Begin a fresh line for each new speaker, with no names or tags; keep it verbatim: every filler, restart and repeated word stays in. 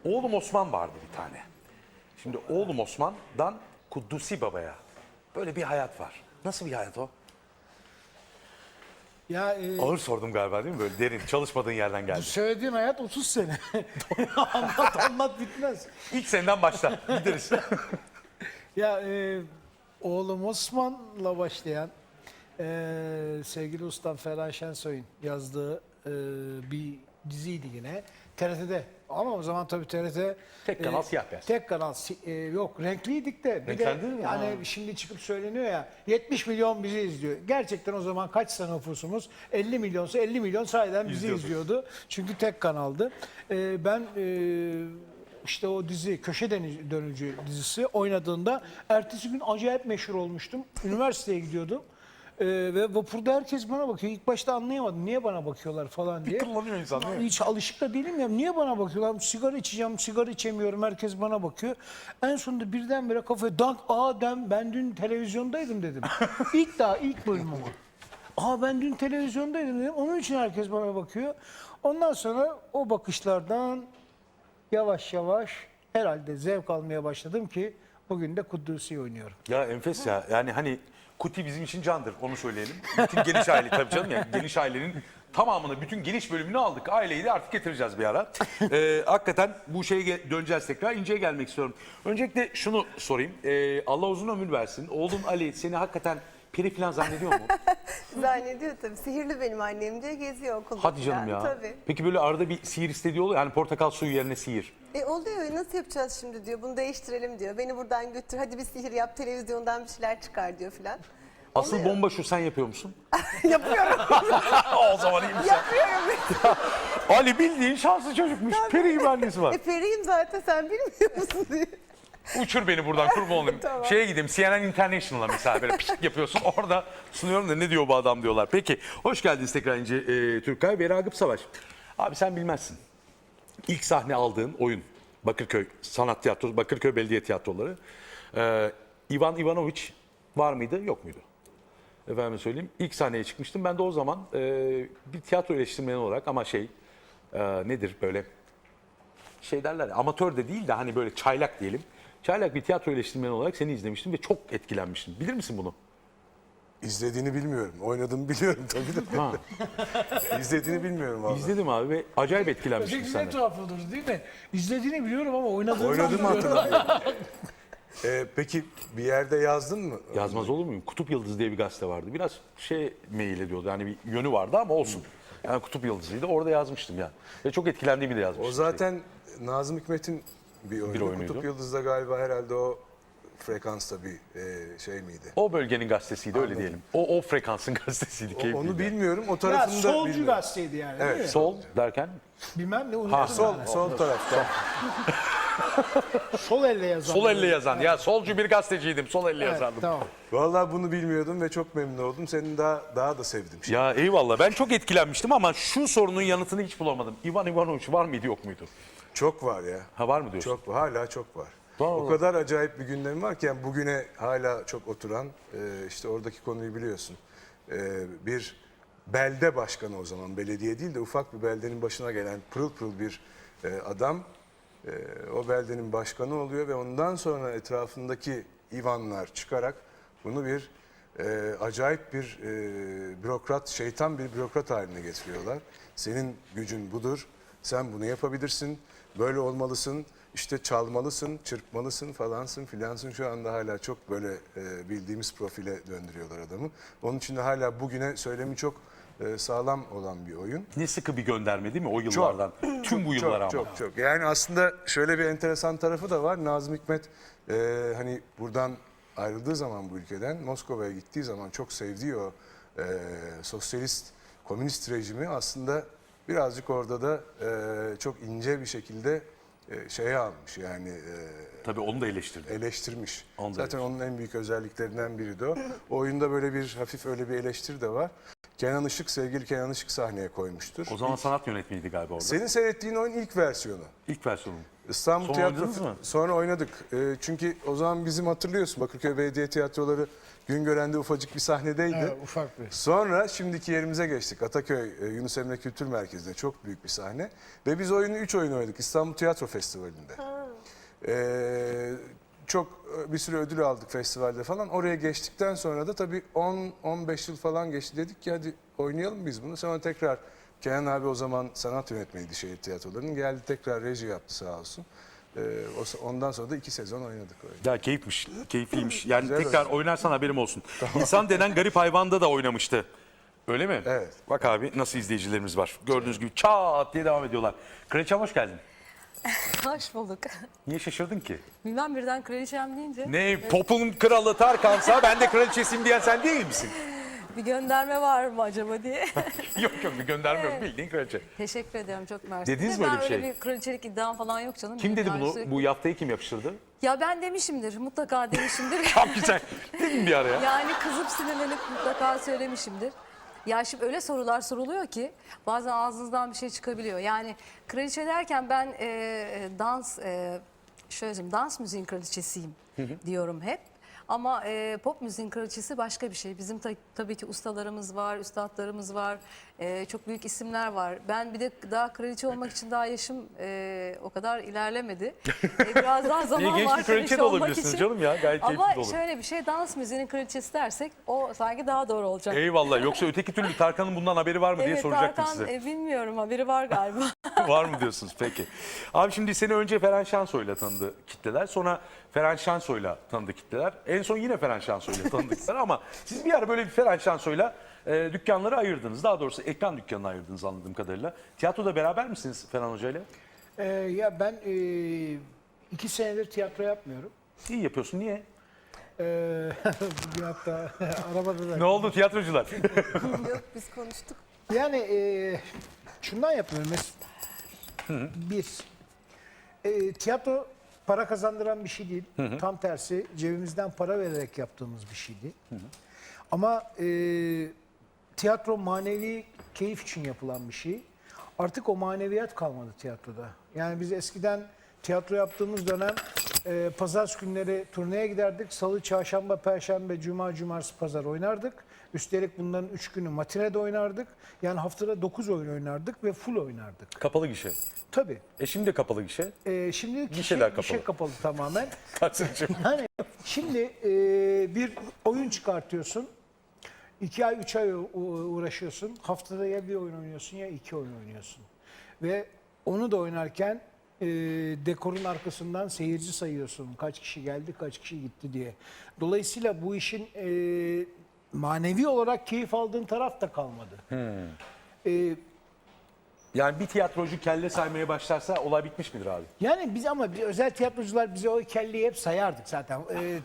Oğlum Osman vardı bir tane. Şimdi oğlum Osman'dan Kuddusi Baba'ya böyle bir hayat var. Nasıl bir hayat o?
Ya e,
Ağır sordum galiba değil mi? Böyle derin, çalışmadığın yerden geldi.
söylediğin hayat otuz sene. anlat anlat bitmez.
İlk senden başla, gideriz.
Ya e, oğlum Osman'la başlayan e, sevgili ustam Ferhan Şensoy'un yazdığı e, bir diziydi yine. T R T'de ama o zaman tabii T R T
Tek kanal, siyah beyaz.
Tek kanal si- e, yok renkliydik de bir de
Renklendi mi?
yani
Ha.
şimdi çıkıp söyleniyor ya yetmiş milyon bizi izliyor. Gerçekten o zaman kaçsa nüfusumuz elli milyonsa elli milyon sahiden bizi
İzliyordu.
izliyordu. Çünkü tek kanaldı. E, ben e, işte o dizi Köşe Deni- Dönücü dizisi oynadığında ertesi gün acayip meşhur olmuştum. Üniversiteye gidiyordum. Ee, ve vapurda herkes bana bakıyor. İlk başta anlayamadım. Niye bana bakıyorlar falan diye.
kıllanıyor insan, değil mi?
Hiç alışık da değilim ya. Niye bana bakıyorlar? Sigara içeceğim, sigara içemiyorum. Herkes bana bakıyor. En sonunda birdenbire kafaya dank. Aa dem, ben dün televizyondaydım dedim. İlk daha ilk bölüm ama. Aa ben dün televizyondaydım dedim. Onun için herkes bana bakıyor. Ondan sonra o bakışlardan yavaş yavaş herhalde zevk almaya başladım ki bugün de Kudüs'ü oynuyorum.
Ya enfes ya. Yani hani Kuti bizim için candır, onu söyleyelim. Bütün geniş aile tabii canım ya. Geniş ailenin tamamını, bütün geniş bölümünü aldık. Aileyi de artık getireceğiz bir ara. Ee, hakikaten bu şeye ge- döneceğiz tekrar. İnce'ye gelmek istiyorum. Öncelikle şunu sorayım. Ee, Allah uzun ömür versin. Oğlun Ali seni hakikaten peri falan zannediyor mu?
Zannediyor tabii. Sihirli benim annem diye geziyor okulda.
Hadi canım
falan.
ya.
Tabii.
Peki böyle arada bir sihir istediği oluyor. Yani portakal suyu yerine sihir.
E oluyor. Nasıl yapacağız şimdi diyor. Bunu değiştirelim diyor. Beni buradan götür. Hadi bir sihir yap. Televizyondan bir şeyler çıkar diyor filan.
Asıl
Oluyor.
bomba şu, sen yapıyor musun?
Yapıyorum.
O zaman iyiymiş.
Yapıyorum.
Ali bildiğin şanslı çocukmuş. Peri gibi annesi var.
E periyim zaten sen bilmiyor musun diye.
Uçur beni buradan, kurban olayım.
Tamam.
Şeye gideyim, C N N International'a mesela böyle pişik yapıyorsun. Orada sunuyorum da ne diyor bu adam diyorlar. Peki, hoş geldiniz tekrar İnce e, Türkay ve Ragıp Savaş. Abi sen bilmezsin. İlk sahne aldığın oyun Bakırköy Sanat Tiyatrosu, Bakırköy Belediye Tiyatroları. Ee, Ivan Ivanoviç var mıydı, yok muydu? Efendim söyleyeyim. İlk sahneye çıkmıştım. Ben de o zaman e, bir tiyatro eleştirmeni olarak ama şey e, nedir böyle şey derler ya, amatör de değil de hani böyle çaylak diyelim. Çaylak bir tiyatro eleştirmeni olarak seni izlemiştim ve çok etkilenmiştim. Bilir misin bunu?
İzlediğini bilmiyorum. Oynadığımı biliyorum tabii de.
Ha.
İzlediğini bilmiyorum vallahi.
İzledim abi ve acayip etkilenmiştim
Peki ne
senden.
tuhaf olur değil mi? İzlediğini biliyorum ama oynadığını
Oynadığımı
sanmıyorum.
hatırlamıyorum. Ee, peki bir yerde yazdın mı?
Yazmaz olur muyum? Kutup Yıldızı diye bir gazete vardı. Biraz şey mail ediyordu. Yani bir yönü vardı ama olsun. Yani Kutup Yıldızı'ydı. Orada yazmıştım ya. Ve çok etkilendiğimi de yazmıştım.
O zaten Nazım Hikmet'in bir oyunu.
Bir oyunuydu.
Kutup Yıldız'da galiba herhalde o frekansta bir e, şey miydi?
O bölgenin gazetesiydi, öyle diyelim. O o frekansın gazetesiydi.
O-
keyifliydi.
onu bilmiyorum. O
Ya
tarafını da
solcu
bilmiyorum.
gazeteydi yani değil mi?
Evet.
Sol derken
Bilmem ne unuttum.
Ha,
Sol,
yani.
sol tarafta.
Sol elle yazan.
sol elle yazan. Ya solcu bir gazeteciydim. Sol elle
Evet,
yazardım.
tamam.
Vallahi bunu bilmiyordum ve çok memnun oldum. Seni daha daha da sevdim. Şimdi.
Ya eyvallah. Ben çok etkilenmiştim ama şu sorunun yanıtını hiç bulamadım. Ivan Ivanoviç var mıydı, yok muydu?
Çok var ya.
Ha, var mı diyorsun?
Çok var. Hala çok var.
Vallahi.
O kadar acayip bir gündemi var ki yani bugüne hala çok oturan e, işte oradaki konuyu biliyorsun. E, bir belde başkanı o zaman, belediye değil de ufak bir beldenin başına gelen pırıl pırıl bir e, adam e, o beldenin başkanı oluyor ve ondan sonra etrafındaki Ivanlar çıkarak bunu bir e, acayip bir e, bürokrat, şeytan bir bürokrat haline getiriyorlar. Senin gücün budur, sen bunu yapabilirsin, böyle olmalısın. İşte çalmalısın, çırpmalısın falansın filansın, şu anda hala çok böyle e, bildiğimiz profile döndürüyorlar adamı. Onun için de hala bugüne söylemi çok e, sağlam olan bir oyun.
Ne sıkı bir gönderme değil mi o yıllardan? Tüm bu yıllara
Çok
ama.
çok çok. Yani aslında şöyle bir enteresan tarafı da var. Nazım Hikmet e, hani buradan ayrıldığı zaman bu ülkeden Moskova'ya gittiği zaman çok sevdiği o e, sosyalist, komünist rejimi aslında birazcık orada da e, çok ince bir şekilde e, şeye almış yani e,
Tabii onu da eleştirdi.
eleştirmiş.
Onu da
Zaten onun en büyük özelliklerinden biri de o. O oyunda böyle bir hafif öyle bir eleştiri de var. Kenan Işık, sevgili Kenan Işık sahneye koymuştur.
O zaman sanat yönetmeniydi galiba orada.
Senin seyrettiğin oyun ilk versiyonu.
İlk versiyonu.
İstanbul
Sonra
Tiyatro
oynadınız mı?
sonra oynadık. Ee, çünkü o zaman bizim hatırlıyorsun Bakırköy Belediye Tiyatroları Güngören'de ufacık bir sahnedeydi.
Evet, ufak bir.
Sonra şimdiki yerimize geçtik. Ataköy e, Yunus Emre Kültür Merkezi'nde çok büyük bir sahne. Ve biz oyunu üç oyun oynadık İstanbul Tiyatro Festivali'nde. Ee, çok e, bir sürü ödül aldık festivalde falan. Oraya geçtikten sonra da tabii on on beş yıl falan geçti. Dedik ki hadi oynayalım biz bunu. Sonra tekrar Kenan abi o zaman sanat yönetmeniydi şehir tiyatrolarının. Geldi tekrar reji yaptı sağ olsun. Ee, o- ondan sonra da iki sezon oynadık oyunu.
Ya keyifmiş, keyifliymiş. Yani
Güzel
tekrar oynarsan haberim olsun. İnsan denen garip hayvanda da oynamıştı. Öyle mi?
Evet.
Bak abi nasıl izleyicilerimiz var. Gördüğünüz gibi çat diye devam ediyorlar. Kraliçem hoş geldin.
Hoş bulduk.
Niye şaşırdın ki?
Bilmem birden kraliçem deyince
Ne popun kralı Tarkan'sa ben de kraliçesiyim diyen sen değil misin?
bir gönderme var mı acaba diye.
yok yok bir gönderme yok bildiğin kraliçe.
Teşekkür ediyorum, çok mersi.
Dediniz
De
mi
ben
öyle bir şey?
bir kraliçelik iddiam falan yok canım.
Kim
Benim
dedi
yani
bunu?
sürekli-
Bu yaftayı kim yapıştırdı?
Ya ben demişimdir, mutlaka demişimdir.
Tam güzel. Değil mi bir ara ya?
Yani kızıp sinirlenip mutlaka söylemişimdir. Ya şimdi öyle sorular soruluyor ki bazen ağzınızdan bir şey çıkabiliyor. Yani kraliçe derken ben e, dans, e, şöyle söyleyeyim, dans müziğin kraliçesiyim diyorum hep. Ama e, pop müziğin kraliçesi başka bir şey. Bizim ta- tabii ki ustalarımız var, üstadlarımız var, e, çok büyük isimler var. Ben bir de daha kraliçe olmak için daha yaşım e, o kadar ilerlemedi. E, biraz daha zaman
İyi, genç
var
bir kraliçe de
olmak
olabilirsiniz
için.
canım ya, gayet
Ama
keyifli de olur.
şöyle bir şey, dans müziğinin kraliçesi dersek o sanki daha doğru olacak.
Eyvallah. Yoksa öteki türlü Tarkan'ın bundan haberi var mı diye
Evet,
soracaktım
Tarkan,
size.
e, bilmiyorum, haberi var galiba.
Var mı diyorsunuz peki. Abi şimdi seni önce Ferhan Şensoy'la tanıdı kitleler. Sonra Ferhan Şensoy'la tanıdı kitleler. En son yine Ferhan Şensoy'la tanıdı kitleler ama siz bir ara böyle bir Ferhan Şensoy'la e, dükkanları ayırdınız. Daha doğrusu ekran dükkanını ayırdınız anladığım kadarıyla. Tiyatroda beraber misiniz Ferhan Hoca'yla?
Ee, ya ben e, iki senedir tiyatro yapmıyorum.
İyi yapıyorsun. Niye?
Ee, bugün hatta arabada da.
Ne oldu tiyatrocular?
Yok biz konuştuk.
Yani e, şundan yapıyorum. Mes- Bir, e, tiyatro para kazandıran bir şey değil. Tam tersi cebimizden para vererek yaptığımız bir şeydi. Ama e, tiyatro manevi keyif için yapılan bir şey. Artık o maneviyat kalmadı tiyatroda. Yani biz eskiden tiyatro yaptığımız dönem e, pazar günleri turneye giderdik. Salı, çarşamba, perşembe, cuma, cumartesi, pazar oynardık. Üstelik bunların üç günü matinede oynardık. Yani haftada dokuz oyun oynardık ve full oynardık.
Kapalı gişe.
Tabii.
E şimdi de kapalı gişe.
E, şimdi
Gişeler
gişe,
kapalı.
gişe kapalı tamamen.
Kaçıncı?
Yani şimdi e, bir oyun çıkartıyorsun. İki ay, üç ay u- uğraşıyorsun. Haftada ya bir oyun oynuyorsun ya iki oyun oynuyorsun. Ve onu da oynarken e, dekorun arkasından seyirci sayıyorsun. Kaç kişi geldi, kaç kişi gitti diye. Dolayısıyla bu işin e, manevi olarak keyif aldığın taraf da kalmadı. E,
Yani bir tiyatrocu kelle saymaya başlarsa olay bitmiş midir abi?
yani biz ama biz özel tiyatrocular bize o kelleyi hep sayardık zaten. E,